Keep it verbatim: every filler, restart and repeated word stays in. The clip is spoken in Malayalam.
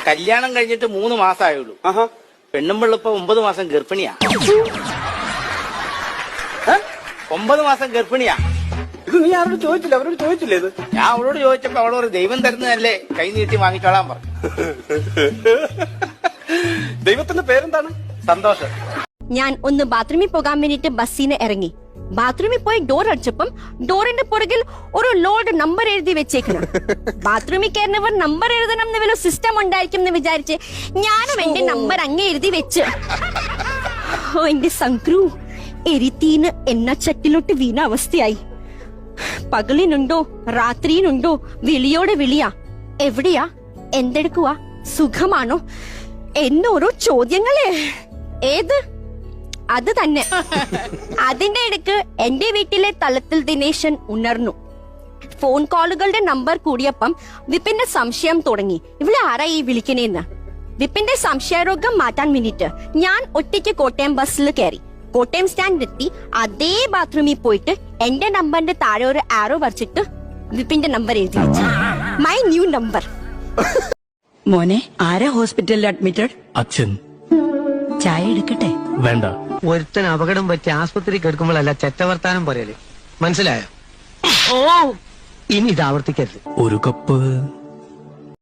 കല്യാണം കഴിഞ്ഞിട്ട് മൂന്ന് മാസമായുള്ളൂ. പെണ്ണുമ്പിള്ള ഇപ്പൊ ഒമ്പത് മാസം ഗർഭിണിയാ. ഒമ്പത് മാസം ഗർഭിണിയാ. ഇത് നീ ആരോട് ചോദിച്ചില്ല? അവരോട് ചോദിച്ചില്ലേ ഇത്? ഞാൻ അവളോട് ചോദിച്ചപ്പോ അവളോട് ദൈവം തരുന്നതല്ലേ, കൈ നീട്ടി വാങ്ങിച്ചോളാൻ പറഞ്ഞു. ദൈവത്തിന്റെ പേരെന്താണ്? സന്തോഷം. ഞാൻ ഒന്ന് ബാത്റൂമിൽ പോകാൻ വേണ്ടിട്ട് ബസ്സിന് ഇറങ്ങി. ബാത്റൂമിൽ പോയി ഡോർ അടിച്ചപ്പം ഡോറിന്റെ പുറകിൽ ഒരു ലോഡ് നമ്പർ എഴുതി വെച്ചേക്കണം. ബാത്റൂമിൽ കയറുന്നവർ നമ്പർ എഴുതണം എന്ന് വല്ല സിസ്റ്റം ഉണ്ടായിരിക്കും എന്ന് വിചാരിച്ച് ഞാനും എന്റെ നമ്പർ അങ്ങ് എഴുതി വെച്ച്. ഓ എന്റെ സംക്രു, എരിത്തീന് എണ്ണച്ചട്ടിലോട്ട് വീണ അവസ്ഥയായി. പകലിനുണ്ടോ രാത്രിയിലുണ്ടോ വിളിയോടെ വിളിയാ. എവിടെയാ, എന്തെടുക്കുവാ, സുഖമാണോ എന്നോരോ ചോദ്യങ്ങളെ. ഏത് അത് തന്നെ. അതിന്റെ ഇടയ്ക്ക് എന്റെ വീട്ടിലെ തലത്തിൽ ദിനേശൻ ഉണർന്നു. ഫോൺ കോളുകളുടെ നമ്പർ കൂടിയപ്പം വിപിന്റെ സംശയം തുടങ്ങി. ഇവിടെ ആരാ ഈ വിളിക്കണേന്ന്. വിപിന്റെ സംശയരോഗം മാറ്റാൻ വേണ്ടിട്ട് ഞാൻ ഒറ്റയ്ക്ക് കോട്ടയം ബസ്സിൽ കയറി. കോട്ടയം സ്റ്റാൻഡിലെത്തി അതേ ബാത്റൂമിൽ പോയിട്ട് എന്റെ നമ്പറിന്റെ താഴെ ഒരു ആരോ വരച്ചിട്ട് വിപിന്റെ നമ്പർ എഴുതി വെച്ചു. My new number. മോനെ, ആരാ ഹോസ്പിറ്റലിൽ അഡ്മിറ്റഡ്? അച്ഛൻ. ചായ എടുക്കട്ടെ? വേണ്ട. ഒരുത്തൻ അപകടം പറ്റി ആസ്പത്രി കിടക്കുമ്പോഴല്ല ചെറ്റവർത്താനം പറയല്, മനസ്സിലായോ? ഓ ഇനി ഇത് ആവർത്തിക്കരുത്. ഒരു കപ്പ്